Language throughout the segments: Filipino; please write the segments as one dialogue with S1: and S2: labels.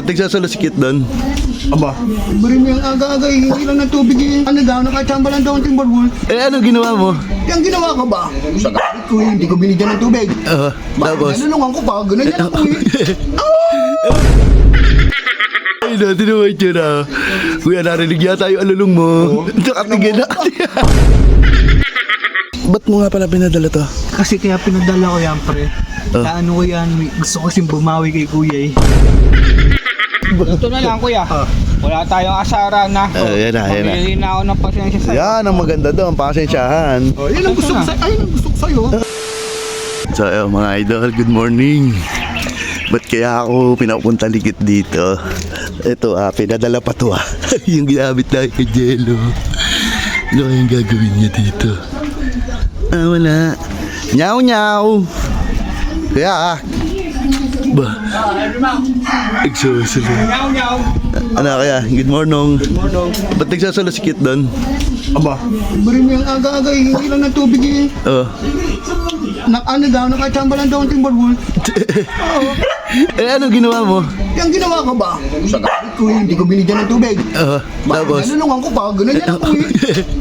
S1: Ba't nagsasalasikit doon?
S2: Aba, bari mo yung aga-aga, hindi lang ng tubig eh. Ano daw, nakachamba lang daw ang timberwolf.
S1: Eh, ano ginawa mo?
S2: Yung ginawa ko ba? Sa gamit ko hindi ko binigyan ng tubig.
S1: Tapos?
S2: Nalulungan ko pa, ganun yan ako eh.
S1: Ay, natin naman ito na. Kuya, narinig yata yung alulong mo. Nakatigil na. Ba't mo nga pala pinadala to?
S2: Kasi kaya pinadala ko yan, pre. Ano ko yan, gusto ko kasing bumawi kay kuya eh.
S3: Ito na lang kuya. Wala tayong asara na.
S1: Yan na.
S3: Mamili na ako ng pasensya sa'yo.
S1: Yan ang maganda doon, pasensyahan.
S2: Yan ang gusto ko sa'yo. Ayun ang gusto ko sa'yo.
S1: So, mga idol, good morning. Ba't kaya ako pinapunta ligit dito? Ito pinadala pa to yung ginamit na kay Jello. Ano kayang gagawin niya dito? Wala. Nyaw. Kaya ba? Exhausted.
S3: Nyaw.
S1: Ano kaya? Good morning. Ba't nagsasalasikit doon?
S2: Aba, bari mo yung aga-aga, hindi lang ng tubig eh. Ano daw, nakachamba lang daw ang timberwolf.
S1: Eh, ano ginawa mo?
S2: Yung ginawa ko ba? Sa gamit ko hindi ko binigyan ng tubig.
S1: Tapos?
S2: Nalulungan ko pa, ganun yan ako eh.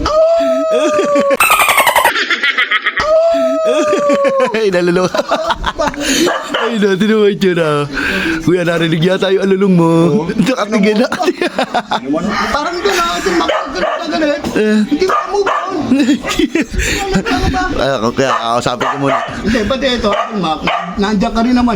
S1: Ay, naluluha. Ay, natin naman ito na. Kuya, narinig yata yung alulong mo. Nakatigil na.
S2: Parang doon natin makakagalit na galit. Hindi ko move on.
S1: Kaya kakasapin ko muna.
S2: Hindi, pati ito, nandiyan ka rin naman.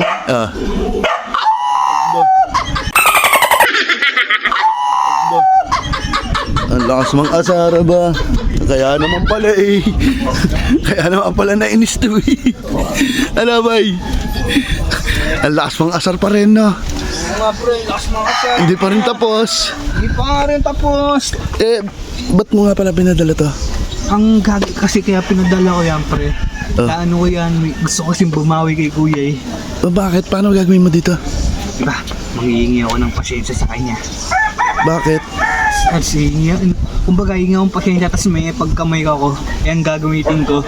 S1: Ang lakas mang asara ba? Kaya naman pala eh. Kaya naman pala nainis to eh. Ano ba eh? Ang lakas mang asar pa rin no?
S3: Mga pre, last mga sir.
S1: Hindi pa rin tapos.
S3: Hindi pa nga rin tapos.
S1: Eh, ba't mo nga pala pinadala to?
S2: Ang gagi kasi kaya pinadala ko yan, pre. Ano ko yan, gusto ko kasing bumawi kay kuya eh.
S1: Bakit? Paano gagawin mo dito?
S2: Diba, manghihingi ako ng pasyensya sa kanya.
S1: Bakit?
S2: Kasi kumbaga hingi akong pasyensya, tapos may pagkamay ko, yan gagamitin ko.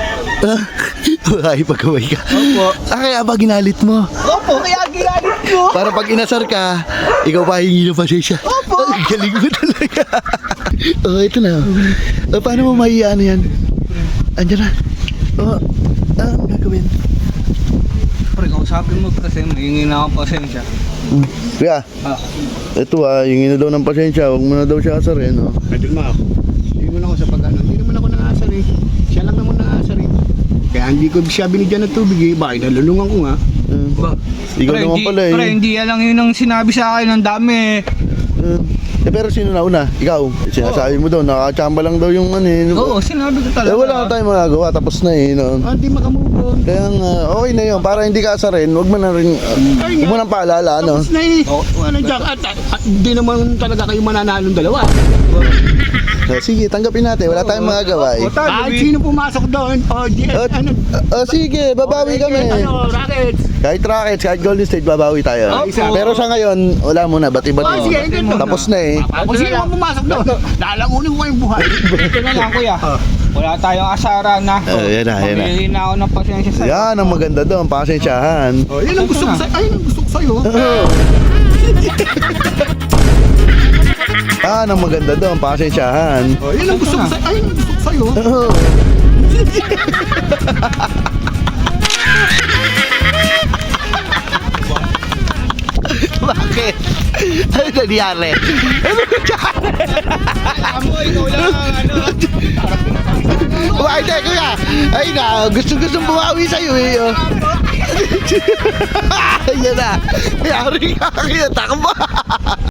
S1: Ay, pagkaway ka.
S2: Opo.
S1: Kaya ba ginalit mo?
S2: Opo, kaya ginagalit ko.
S1: Para pag inasar ka, ikaw pa hingi ng pasensya.
S2: Opo.
S1: Ang galing mo talaga. Ito na. Paano mo maiano yan? Andiyan na. Ano gagawin?
S3: Pre, kausapin mo kasi mahingi na akong pasensya.
S1: Kuya, ito hingi na daw ng pasensya. Huwag mo na daw siya asarin.
S2: Pwede mo ako. Hindi mo na ako sa pag-ano. Hindi naman ako nangasar eh. Siya lang naman nangasar eh. Kaya hindi ko siya binigyan ng tubig eh. Bakit nalulungan ko nga?
S1: Ikaw
S3: Pre,
S1: naman pala eh.
S3: Pre, hindi lang yun ang sinabi sa akin. Ang dami.
S1: Pero sino na una? Ikaw. Sinasabi mo daw, nakachamba lang daw yung ano eh.
S3: Oo, sinabi ko talaga.
S1: Wala na tayong magagawa. Tapos na eh.
S2: Hindi makamove on.
S1: Kaya nga, okay na yun. Para hindi ka asarin, huwag mo na rin, huwag mo nang paalala, ano?
S2: Tapos na eh. Ano dyan? At hindi naman talaga kayo mananalong dalawa.
S1: Sige, tanggapin natin. Wala tayong magagawa eh.
S2: Kahit sino pumasok doon.
S1: Sige, babawi kami.
S2: Rockets.
S1: Kahit Rockets, kahit Golden State, babawi tayo. Pero sa ngayon, wala muna. Ba't-iba
S2: Sige,
S1: Tapos na eh.
S2: Kung sino man pumasok doon, lalangunin ko kayong buhay.
S3: Ito na lang kuya. Wala tayong asara na.
S1: Yan na.
S3: Mamili na ako ng pasensya sa'yo.
S1: Yan ang maganda doon, pasensyahan.
S2: Yan ang gusto ko sa'yo. Ayun ang gusto ko sa'yo.
S1: Yan ang maganda doon, pasensyahan.
S2: Yan ang gusto ko sa'yo. Ayun ang gusto ko sa'yo.
S1: Bakit? Ano nangyari? Ano nangyari?
S3: Amo, ikaw lang ano.
S1: Bakit eh, kuya? Ay na, gusto-gustong bumawi sa'yo eh. Ayan na. Yari ka, kaya takbo.